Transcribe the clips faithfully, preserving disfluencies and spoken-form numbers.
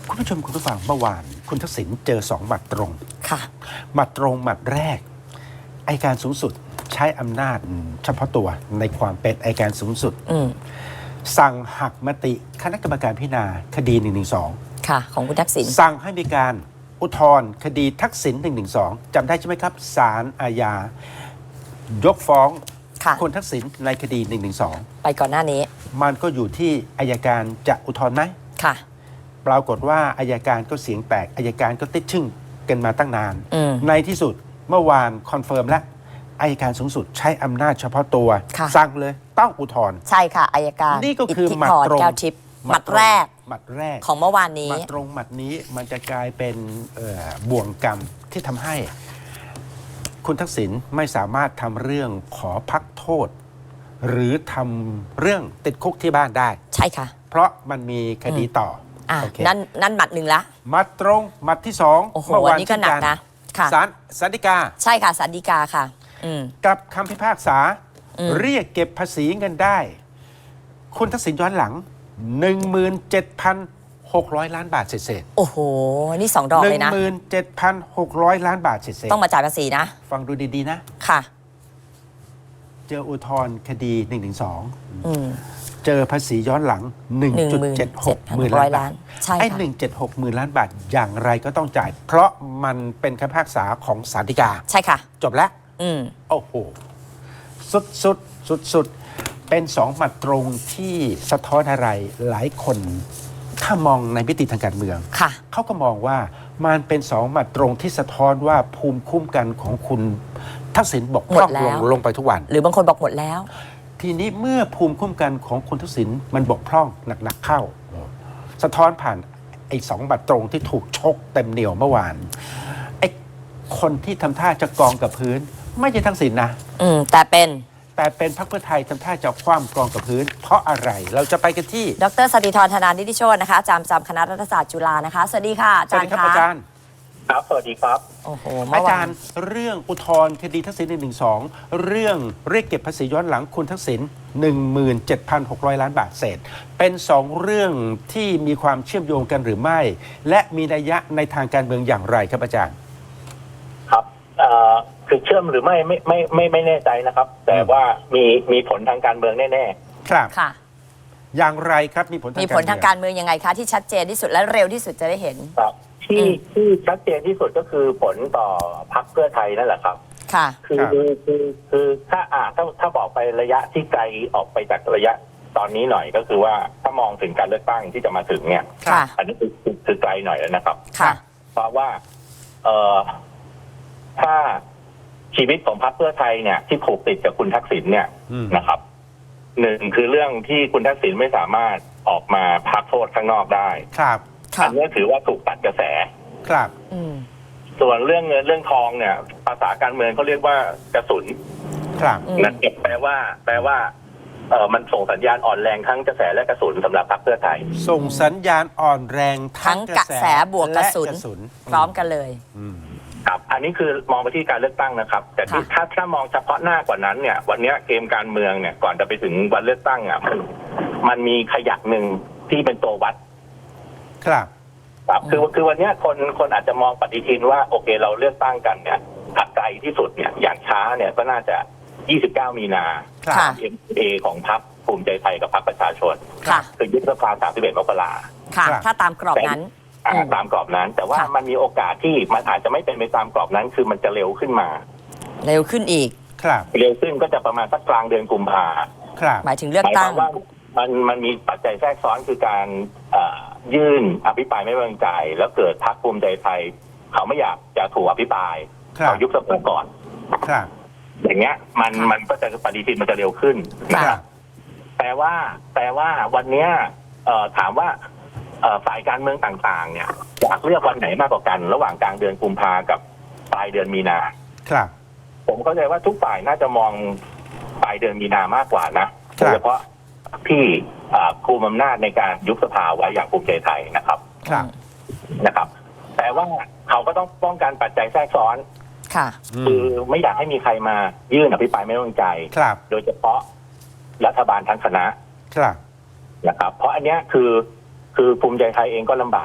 คุณผู้ชมคุณผู้ฟังเมื่อวานคุณทักษิณเจอสองหมัดตรงค่ะหมัดตรงหมัดแรกอัยการสูงสุดใช้อำนาจเฉพาะตัวในความเป็นอัยการสูงสุดสั่งหักมติคณะกรรมการพิจารณาคดีหนึ่งหนึ่งสองค่ะของคุณทักษิณสั่งให้มีการอุทธรณ์คดีทักษิณหนึ่งหนึ่งสองจำได้ใช่ไหมครับศาลอาญายกฟ้องคุณทักษิณในคดีหนึ่งหนึ่งสองไปก่อนหน้านี้มันก็อยู่ที่อัยการจะอุทธรณ์ไหมค่ะปรากฏว่าอัยการก็เสียงแตกอัยการก็ติดชึ่งกันมาตั้งนานในที่สุดเมื่อวานคอนเฟิร์มแล้วอัยการสูงสุดใช้อำนาจเฉพาะตัวสั่งเลยต้องอุทธรณ์ใช่ค่ะอัยการนี่ก็คือหมัดตรงแก้วทิพย์หมัดแรกหมัดแรกของเมื่อวานนี้หมัดตรงหมัดนี้มันจะกลายเป็นบ่วงกรรมที่ทำให้คุณทักษิณไม่สามารถทำเรื่องขอพักโทษหรือทำเรื่องติดคุกที่บ้านได้ใช่ค่ะเพราะมันมีคดีต่ออ่ะนั่นนั่นหมัดหนึ่งละหมัดตรงหมัดที่สองเมื่อวานนี้ก็หนักนะค่ะศาลศาลฎีกาใช่ค่ะศาลฎีกาค่ะกับคำพิพากษาเรียกเก็บภาษีเงินได้คุณทักษิณย้อนหลัง หนึ่งหมื่นเจ็ดพันหกร้อย ล้านบาทเศษโอ้โหนี่สองดอกเลยนะหนึ่งหมื่นเจ็ดพันหกร้อย ล้านบาทเศษต้องมาจ่ายภาษีนะฟังดูดีๆนะค่ะเจออุทธรณ์คดีหนึ่งหนึ่งสองเจอภาษีย้อนหลัง หนึ่งจุดเจ็ดหก หมื่นล้านบาทไอ้หนึ่งจุดเจ็ดหก หมื่นล้านบาทอย่างไรก็ต้องจ่ายเพราะมันเป็นคำพิพากษาของศาลฎีกาใช่ค่ะจบแล้วโอ้โหสุดสุดสุดสุดเป็นสองหมัดตรงที่สะท้อนอะไรหลายคนถ้ามองในมิติทางการเมืองเขาก็มองว่ามันเป็นสองหมัดตรงที่สะท้อนว่าภูมิคุ้มกันของคุณทักษิณบกพร่องลงลงไปทุกวันหรือบางคนบอกหมดแล้วทีนี้เมื่อภูมิคุ้มกันของคุณทักษิณมันบกพร่องหนักๆเข้าสะท้อนผ่านไอ้สองหมัดตรงที่ถูกชกเต็มเหนียวเมื่อวานไอ้คนที่ทำท่าจะกองกับพื้นไม่ใช่ทักษิณนะอืมแต่เป็นแต่เป็นพรรคเพื่อไทยทำท่าจะคว่ำกองกับพื้นเพราะอะไรเราจะไปกันที่ดร.สติธร ธนานิติโชตินะคะอาจารย์ประจำคณะรัฐศาสตร์จุฬานะคะสวัสดีค่ะอาจารย์ครับอาจารย์ครับสวัสดีครับโอ้โหอาจารย์เรื่องอุทธรณ์คดีทักษิณหนึ่งหนึ่งสองเรื่องเรียกเก็บภาษีย้อนหลังคุณทักษิณ หนึ่งหมื่นเจ็ดพันหกร้อย ล้านบาทเศษเป็นสองเรื่องที่มีความเชื่อมโยงกันหรือไม่และมีนัยยะในทางการเมืองอย่างไรครับอาจารย์ครับคือเชื่อมหรือไม่ไม่ไม่ไม่ไม่แน่ใจนะครับแต่ว่ามีมีผลทางการเมืองแน่ๆครับค่ะอย่างไรครับมีผลทางมีผลทางการเมืองยังไงคะที่ชัดเจนที่สุดและเร็วที่สุดจะได้เห็นครับที่ที่ชัดเจนที่สุดก็คือผลต่อพรรคเพื่อไทยนั่นแหละครับค่ะคือคือคือคือถ้าอ่าถ้าถ้าบอกไประยะที่ไกลออกไปจากระยะตอนนี้หน่อยก็คือว่าถ้ามองถึงการเลือกตั้งที่จะมาถึงเนี่ยอันนี้คือคือไกลหน่อยแล้วนะครับค่ะเพราะว่าเอ่อถ้าชีวิตของพรรคเพื่อไทยเนี่ยที่ผูกติดกับคุณทักษิณเนี่ยนะครับหนึ่งคือเรื่องที่คุณทักษิณไม่สามารถออกมาพักโทษข้างนอกได้ครับอันนี้ถือว่าถูกตัดกระแสครับส่วนเรื่องเงินเรื่องทองเนี่ยภาษาการเมืองเขาเรียกว่ากระสุนครับนั่นแปลว่าแปลว่าเออมันส่งสัญญาณอ่อนแรงทั้งกระแสและกระสุนสำหรับพรรคเพื่อไทยส่งสัญญาณอ่อนแรงทั้งกระแสบวกกระสุนพร้อมกันเลยครับอันนี้คือมองไปที่การเลือกตั้งนะครับแต่ที่ถ้าถ้ามองเฉพาะหน้ากว่านั้นเนี่ยวันนี้เกมการเมืองเนี่ยก่อนจะไปถึงวันเลือกตั้งอ่ะมันมันมีขยักหนึ่งที่เป็นตัววัดครับครับคือคือวันนี้คนคนอาจจะมองปฏิทินว่าโอเคเราเลือกตั้งกันเนี่ยถัดไกลที่สุดเนี่ยอย่างช้าเนี่ยก็น่าจะยี่สิบเก้ามีนาเอ็มเอของพรรคภูมิใจไทยกับพรรคประชาชนคือยุบสภาสามสิบเอ็ดมกราค่ะถ้าตามกรอบนั้นตามกรอบนั้นแต่ว่ามันมีโอกาสที่มันอาจจะไม่เป็นไปตามกรอบนั้นคือมันจะเร็วขึ้นมาเร็วขึ้นอีกครับเร็วขึ้นก็จะประมาณสักกลางเดือนกุมภาครับหมายถึงเลือกตั้งว่ามันมันมีปัจจัยแทรกซ้อนคือการยื่นอภิปรายไม่ไว้วางใจแล้วเกิดพรรคภูมิใจไทยเขาไม่อยากจะถูกอภิปรายเขายุบสภาก่อนครับอย่างเงี้ยมันมันก็จะปฏิทินมันจะเร็วขึ้นนะครับแต่ว่าแต่ว่าวันเนี้ยถามว่าฝ่ายการเมืองต่างๆเนี่ยอยากเลือกวันไหนมากกว่ากันระหว่างกลางเดือนกุมภากับปลายเดือนมีนาครับผมเข้าใจว่าทุกฝ่ายน่าจะมองปลายเดือนมีนามากกว่านะโดยเฉพาะที่คุมอำนาจในการยุบสภาไว้อย่างภูมิใจไทยนะครับครับนะครับแต่ว่าเขาก็ต้องป้องกันปัจจัยแทรกซ้อนค่ะคือไม่อยากให้มีใครมายื่นอภิปรายไม่ไว้วางใจโดยเฉพาะรัฐบาลทั้งคณะครับนะครับเพราะอันเนี้ยคือคือภูมิใจไทยเองก็ลำบาก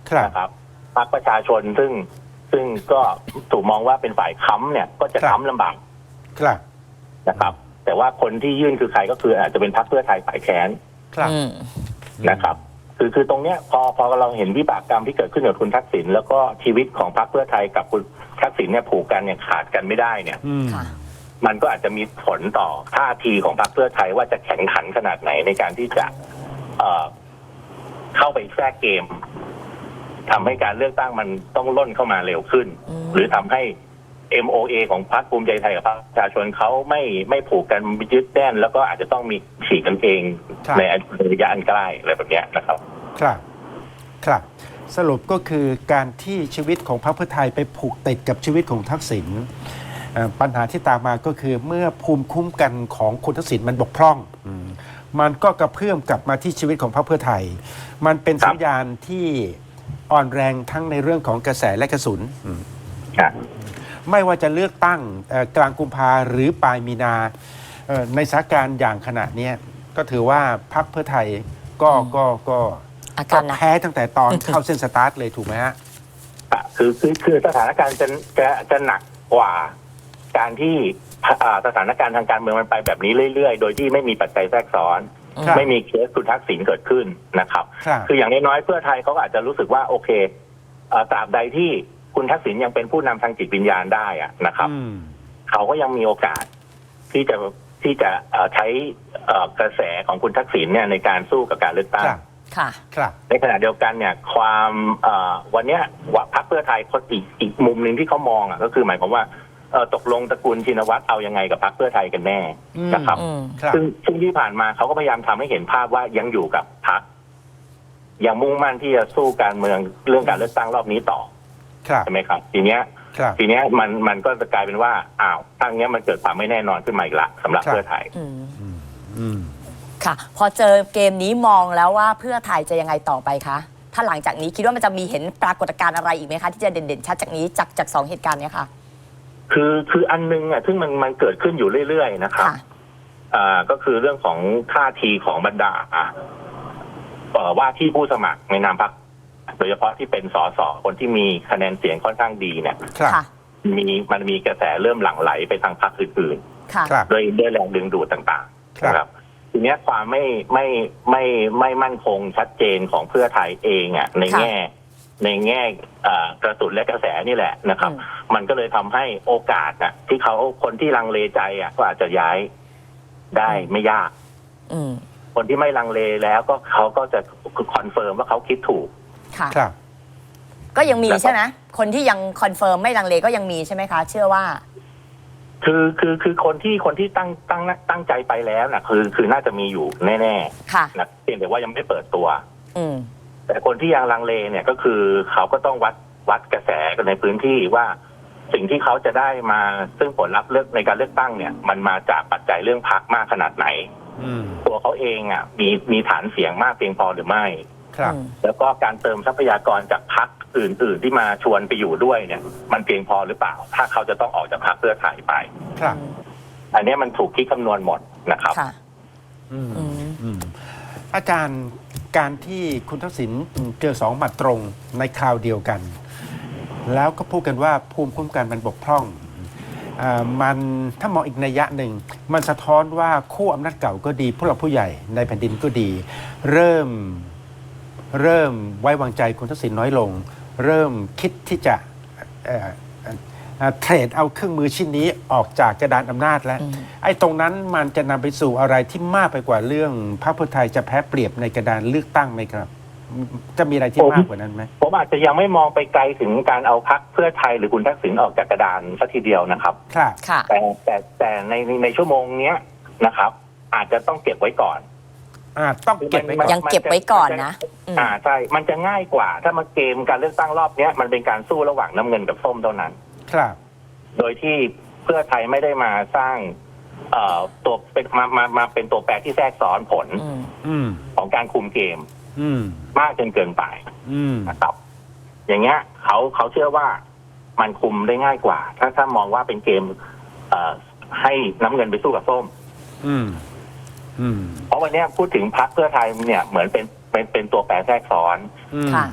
นะครับพรรคประชาชนซึ่งซึ่งก็ถูกมองว่าเป็นฝ่ายค้ำเนี่ยก็จะค้ำลำบากครับนะครับ แต่ว่าคนที่ยื่นคือใครก็คืออาจจะเป็นพรรคเพื่อไทยฝ่ายแค้นครับอืมนะครับ คือคือตรงเนี้ยพอพอเราเห็นวิบากกรรมที่เกิดขึ้นกับคุณทักษิณแล้วก็ชีวิตของพรรคเพื่อไทยกับคุณทักษิณเนี่ยผูกกันเนี่ยขาดกันไม่ได้เนี่ยอืมค่ะมันก็อาจจะมีผลต่อท่าทีของพรรคเพื่อไทยว่าจะแข่งขันขนาดไหนในการที่จะเอ่อเข้าไปแทรกเกมทำให้การเลือกตั้งมันต้องล่นเข้ามาเร็วขึ้นอืมหรือทำให้ เอ็ม โอ เอ ของพรรคภูมิใจไทยกับพรรคประชาชนเขาไม่ไม่ผูกกันยึดแน่นแล้วก็อาจจะต้องมีฉีกกันเองครับในระยะอันใกล้อะไรแบบเนี้ยนะครับครับ ครับ สรุปก็คือการที่ชีวิตของพรรคเพื่อไทยไปผูกติดกับชีวิตของทักษิณเอ่อปัญหาที่ตามมาก็คือเมื่อภูมิคุ้มกันของคุณทักษิณมันบกพร่องอืมมันก็กระเพื่อมกลับมาที่ชีวิตของพรรคเพื่อไทย มันเป็นครับสัญญาณที่อ่อนแรงทั้งในเรื่องของกระแสและกระสุนอืมครับไม่ว่าจะเลือกตั้งเอ่อกลางกุมภาหรือปลายมีนาเอ่อในสถานการณ์อย่างขณะเนี้ยก็ถือว่าพรรคเพื่อไทยก็ก็ก็อาก็การหนักแพ้ตั้งแต่ตอน เข้าเส้นสตาร์ทเลยถูกไหมฮะอ่ะคือคือคือสถานการณ์จะจะจะหนักกว่าการที่อ่าสถานการณ์ทางการเมืองมันไปแบบนี้เรื่อยๆ โดยที่ไม่มีปัจจัยแทรกซ้อนครับไม่มีเคสคุณทักษิณเกิดขึ้นนะครับครับคืออย่างน้อยๆเพื่อไทยเขาก็อาจจะรู้สึกว่าโอเคเอ่อตราบใดที่คุณทักษิณยังเป็นผู้นำทางจิตวิญญาณได้อะนะครับอืมเขาก็ยังมีโอกาสที่จะที่จะเอ่อใช้เอ่อกระแสของคุณทักษิณเนี่ยในการสู้กับการเลือกตั้งครับค่ะครับในขณะเดียวกันเนี่ยความเอ่อวันเนี้ยว่าพรรคเพื่อไทยคนอีกอีกมุมหนึ่งที่เขามองอ่ะก็คือหมายความว่าเอ่อตกลงตระกูลชินวัตรเอายังไงกับพรรคเพื่อไทยกันแน่อืมนะครับอืมครับซึ่งซึ่งที่ผ่านมาเขาก็พยายามทำให้เห็นภาพว่ายังอยู่กับพรรคยังมุ่งมั่นที่จะสู้การเมืองเรื่องการเลือกตั้งรอบนี้ต่อครับใช่ไหมครับ ทีเนี้ยครับทีเนี้ยมันมันก็จะกลายเป็นว่าอ้าวทางเนี้ยมันเกิดความไม่แน่นอนขึ้นมาอีกละสำหรับครับเพื่อไทยอืมอืมค่ะ พอเจอเกมนี้มองแล้วว่าเพื่อไทยจะยังไงต่อไปคะ ถ้าหลังจากนี้คิดว่ามันจะมีเห็นปรากฏการณ์อะไรอีกไหมคะ ที่จะเด่นๆชัดจากนี้จากจากสองเหตุการณ์เนี้ยค่ะคือคืออันนึงอ่ะซึ่งมันมันเกิดขึ้นอยู่เรื่อยๆนะครับค่ะอ่าก็คือเรื่องของท่าทีของบรรดาอ่ะเอ่อว่าที่ผู้สมัครในนามพรรคโดยเฉพาะที่เป็นสสคนที่มีคะแนนเสียงค่อนข้างดีเนี่ยครับค่ะมีมันมีกระแสเริ่มหลั่งไหลไปทางพรรคอื่นค่ะครับๆด้วยด้วยแรงดึงดูดต่างครับๆนะครับ ทีเนี้ยความไม่ไม่ไม่ไม่มั่นคงชัดเจนของเพื่อไทยเองอ่ะในค่ะแง่ในแง่อ่ากระสุนและกระแสนี่แหละนะครับอืมมันก็เลยทำให้โอกาสอ่ะที่เขาคนที่ลังเลใจอ่ะก็อาจจะย้ายได้ไม่ยากอืมคนที่ไม่ลังเลแล้วก็เขาก็จะคอนเฟิร์มว่าเขาคิดถูกค่ะครับก็ยังมีแล้วก็ใช่ไหม คนที่ยังคอนเฟิร์มไม่ลังเลก็ยังมีใช่ไหมคะ เชื่อว่าคือคือคือคนที่คนที่ตั้งตั้งตั้งใจไปแล้วนะคือคือน่าจะมีอยู่แน่ค่ะๆนะเพียงแต่ว่ายังไม่เปิดตัวอืมแต่คนที่ยังลังเลเนี่ยก็คือเขาก็ต้องวัดวัดกระแสกันในพื้นที่ว่าสิ่งที่เขาจะได้มาซึ่งผลลัพธ์เลือกในการเลือกตั้งเนี่ย มันมาจากปัจจัยเรื่องพรรคมากขนาดไหนอืมตัวเขาเองอ่ะมีมีฐานเสียงมากเพียงพอหรือไม่ครับอืมแล้วก็การเติมทรัพยากรจากพรรคอื่น ๆ ที่มาชวนไปอยู่ด้วยเนี่ย มันเพียงพอหรือเปล่า ถ้าเขาจะต้องออกจากพรรคเพื่อไทยไปครับอันนี้มันถูกคิดคำนวณหมดนะครับค่ะอืมอืมอืมอาจารย์การที่คุณทักษิณเจอสองหมัดตรงในคราวเดียวกัน แล้วก็พูดกันว่าภูมิคุ้มกันมันบกพร่องอ่ามันถ้ามองอีกนัยยะหนึ่ง มันสะท้อนว่าคู่อำนาจเก่าก็ดีผู้หลักผู้ใหญ่ในแผ่นดินก็ดี เริ่มเริ่มไว้วางใจคุณทักษิณน้อยลง เริ่มคิดที่จะเอ่อเอ่อเอ่อเทรดเอาเครื่องมือชิ้นนี้ออกจากกระดานอำนาจแล้วอืมไอ้ตรงนั้นมันจะนำไปสู่อะไรที่มากไปกว่าเรื่องพรรคเพื่อไทยจะแพ้เปรียบในกระดานเลือกตั้งไหมครับ จะมีอะไรที่มากกว่านั้นไหมผมอาจจะยังไม่มองไปไกลถึงการเอาพรรคเพื่อไทยหรือคุณทักษิณออกจากกระดานสักทีเดียวนะครับครับค่ะแต่แต่แต่ในในชั่วโมงเนี้ยนะครับ อาจจะต้องเก็บไว้ก่อนอ่าต้องเก็บไว้ก่อนยังเก็บไว้ก่อนนะอืมอ่าใช่ มันจะง่ายกว่า ถ้ามาเกมการเลือกตั้งรอบเนี้ยมันเป็นการสู้ระหว่างน้ำเงินกับส้มเท่านั้นครับโดยที่เพื่อไทยไม่ได้มาสร้าง เอ่อตัวเป็นมามามาเป็นตัวแปรที่แทรกซ้อนผลอืมอืมของการคุมเกมอืมมากจนเกินไปอืมนะครับ อย่างเงี้ยเขาเขาเชื่อว่ามันคุมได้ง่ายกว่า ถ้าถ้ามองว่าเป็นเกม เอ่อให้น้ำเงินไปสู้กับส้มอืม อืมเพราะวันเนี้ยพูดถึงพรรคเพื่อไทยเนี่ยเหมือนเป็นเป็นเป็นตัวแปรแทรกซ้อนอืมค่ะ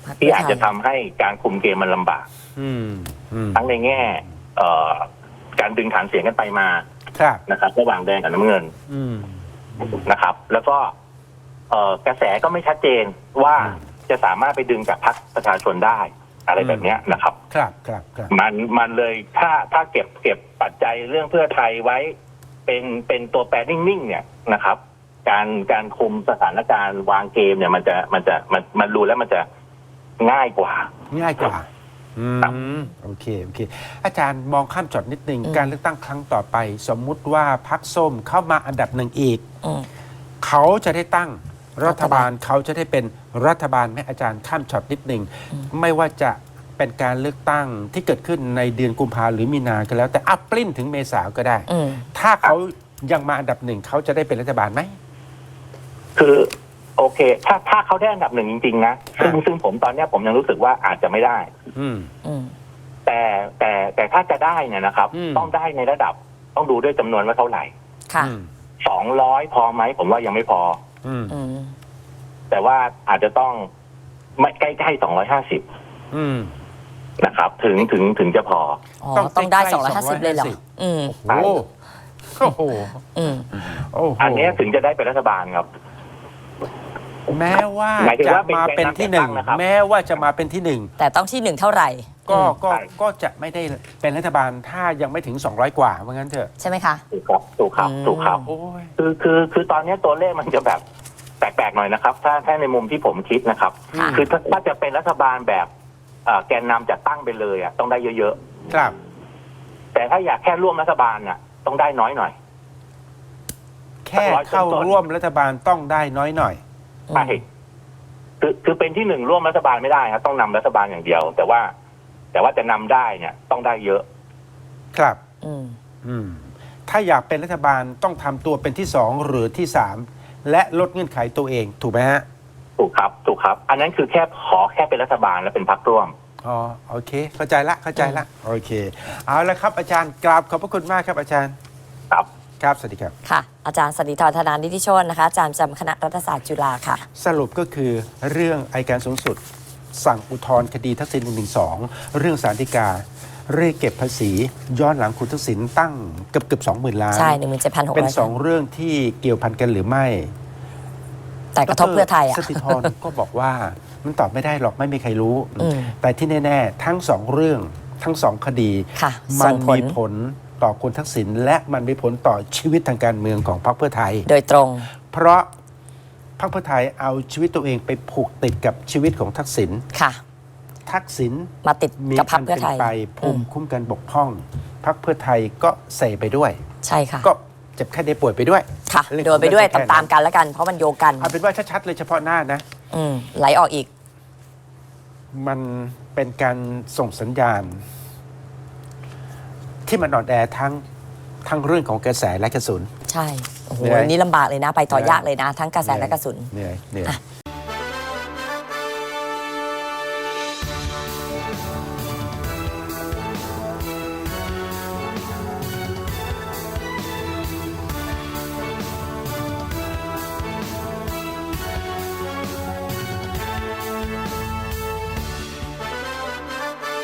พรรคที่เพื่ออาจไทยจะทำให้การคุมเกมมันลำบากอืมอืมทั้งในแง่เอ่อการดึงฐานเสียงกันไปมาครับนะครับระหว่างแดงกับน้ำเงินอืมนะครับ แล้วก็เอ่อกระแสก็ไม่ชัดเจนว่าอืมจะสามารถไปดึงจากพรรคประชาชนได้อะไรแบบเนี้ยนะครับครับครับครับมันมันเลยถ้าถ้าเก็บเก็บปัจจัยเรื่องเพื่อไทยไว้เป็นเป็นตัวแปรนิ่งๆเนี่ยนะครับ การการคุมสถานการณ์วางเกมเนี่ยมันจะมันจะมันมันรู้แล้วมันจะง่ายกว่าง่ายกว่า อืม โอเค โอเค อาจารย์มองข้ามช็อตนิดนึงอืมการเลือกตั้งครั้งต่อไป สมมุติว่าพรรคส้มเข้ามาอันดับหนึ่งอีกอืมเขาจะได้ตั้งรัฐบาลรัฐบาลเขาจะได้เป็นรัฐบาลไหมอาจารย์ข้ามช็อตนิดนึง ไม่ว่าจะเป็นการเลือกตั้งที่เกิดขึ้นในเดือนกุมภาหรือมีนาก็แล้ว แต่อัปปลิ้นถึงเมษาก็ได้อืมถ้าเขายังมาอันดับหนึ่งเขาจะได้เป็นรัฐบาลไหมคือโอเค ถ้าถ้าเขาได้อันดับหนึ่งจริงๆนะซึ่งซึ่งผมตอนเนี้ยผมยังรู้สึกว่าอาจจะไม่ได้อืมอืมแต่แต่แต่ถ้าจะได้เนี่ยนะครับอืมต้องได้ในระดับต้องดูด้วยจำนวนว่าเท่าไหร่ค่ะอืมสองร้อยพอไหมผมว่ายังไม่พออืมอืมแต่ว่าอาจจะต้องไม่ใกล้ๆสองร้อยห้าสิบอืมนะครับ ถึงถึงถึงจะพออ๋อต้องต้องได้ใกล้ๆสองร้อยห้าสิบเลยเหรอสองร้อยห้าสิบอืมโอ้โหโอ้โหอืมโอ้โหอันเนี้ยถึงจะได้เป็นรัฐบาลครับแม้ว่าหมายถึงจะว่าเป็นมาเป็นที่หนึ่งแกนนำจัดตั้งนะครับแม้ว่าจะมาเป็นที่หนึ่งแต่ต้องที่หนึ่งเท่าไหร่ก็อืมก็ใช่ก็จะไม่ได้เป็นรัฐบาลถ้ายังไม่ถึง สองร้อย กว่าว่างั้นเถอะใช่ไหมคะถูกครับถูกครับอืมถูกครับโอ้ยคือคือคือตอนเนี้ยตัวเลขมันจะแบบแปลกๆหน่อยนะครับ ถ้าถ้าในมุมที่ผมคิดนะครับค่ะคือถ้าถ้าจะเป็นรัฐบาลแบบเอ่อแกนนำจัดตั้งไปเลยอ่ะต้องได้เยอะครับๆแต่ถ้าอยากแค่ร่วมรัฐบาลน่ะต้องได้น้อยหน่อยแค่เข้าร่วมรัฐบาลต้องได้น้อยหน่อยอืมใช่คือคือเป็นที่หนึ่งร่วมรัฐบาลไม่ได้ครับต้องนำรัฐบาลอย่างเดียว แต่ว่า แต่ว่าจะนำได้เนี่ย ต้องได้เยอะครับอืมอืมถ้าอยากเป็นรัฐบาลต้องทำตัวเป็นที่สองหรือที่สามและลดเงื่อนไขตัวเองถูกไหมฮะถูกครับ ถูกครับ อันนั้นคือแค่ขอแค่เป็นรัฐบาลและเป็นพรรคร่วมอ๋อโอเค เข้าใจละเข้าใจละโอเค เอาละครับอาจารย์กราบขอบพระคุณมากครับอาจารย์ครับครับสวัสดีครับค่ะ อาจารย์สันติธรธนานิติโชตนะคะ อาจารย์ประจำคณะรัฐศาสตร์จุฬาค่ะสรุปก็คือเรื่องอัยการสูงสุด สั่งอุทธรณ์คดีทักษิณหนึ่งหนึ่งสองเรื่องศาลฎีกาเรียกเก็บภาษีย้อนหลังคุณทักษิณตั้งเกือบเกือบสองหมื่นล้านใช่หนึ่งหมื่นเจ็ดพันหกเป็นร้อยสองเรื่องที่เกี่ยวพันกันหรือไม่แต่กระทบเพื่อไทยอ่ะสติธรก็บอกว่ามันตอบไม่ได้หรอกไม่มีใครรู้อืมแต่ที่แน่ๆ ทั้งสองเรื่องทั้งสองคดีค่ะมัส่งผลมีผลต่อคุณทักษิณและมันมีผลต่อชีวิตทางการเมืองของพรรคเพื่อไทยโดยตรงเพราะพรรคเพื่อไทยเอาชีวิตตัวเองไปผูกติดกับชีวิตของทักษิณค่ะทักษิณมาติดมีกับพรอัรคน เพื่เป็อน ไทยไปภูมิคุ้มกันบกพร่องพรรคเพื่อไทยก็เสไปด้วยใช่ค่ะก็เจ็บแค่ได้ป่วยไปด้วยค่ะเรื่องโดนไปด้วยของเรื่องตามๆกันแล้วกัน เพราะมันโยงกันเอาเป็นว่าชัดๆเลยเฉพาะหน้านะอืมไหลออกอีกมันเป็นการส่งสัญญาณ ที่มันอ่อนแอทั้งทั้งเรื่องของกระแสและกระสุนใช่ โอ้โหเหนื่อยนี่ลำบากเลยนะ ไปต่อยากเลยนะ ทั้งกระแสและกระสุนเหนื่อยเหนื่อยอ่ะ